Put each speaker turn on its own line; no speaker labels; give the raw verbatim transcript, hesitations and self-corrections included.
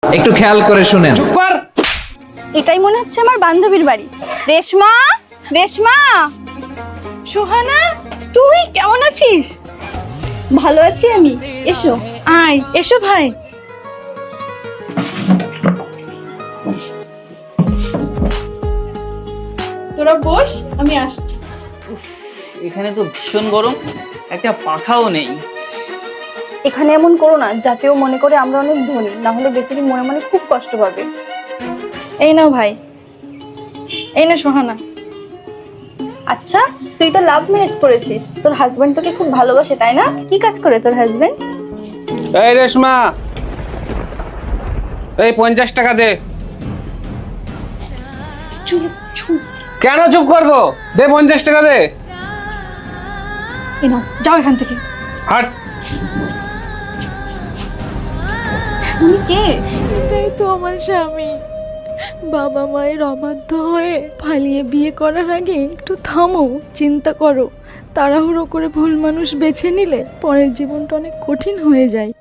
একটু খেয়াল করে শুনেন।
চুপ কর।
এটাই মনে হচ্ছে আমার বান্ধবীর বাড়ি। রেশমা, রেশমা। সোহানা, তুই কেমন আছিস? ভালো আছি আমি। এসো। আয়, এসো ভাই। তোরা বস, আমি আসছি।
এখানে তো ভীষণ গরম, একটা পাখাও নেই।
এখানে এমন করো না যাতে ও মনে করে আমরা অনেক ধনী, না হলে বেচারি মনে মনে খুব কষ্ট পাবে। এই নাও ভাই, এই না সোহানা। আচ্ছা, তুই তো লাভ ম্যারেজ করেছিস, তোর হাজবেন্ড তোকে খুব ভালোবাসে তাই না? কি কাজ করে তোর হাজবেন্ড?
এই রেশমা, এই পঞ্চাশ টাকা দে।
চুপ চুপ।
কেন চুপ করবো? দে পঞ্চাশ টাকা দে।
এই নাও, যাও এখান থেকে।
হাট।
উনি কে?
এটাই তো আমার স্বামী। বাবা মায়ের অবাধ্য হয়ে পালিয়ে বিয়ে করার আগে একটু থামো, চিন্তা করো। তাড়াহুড়ো করে ভুল মানুষ বেছে নিলে পরের জীবনটা অনেক কঠিন হয়ে যায়।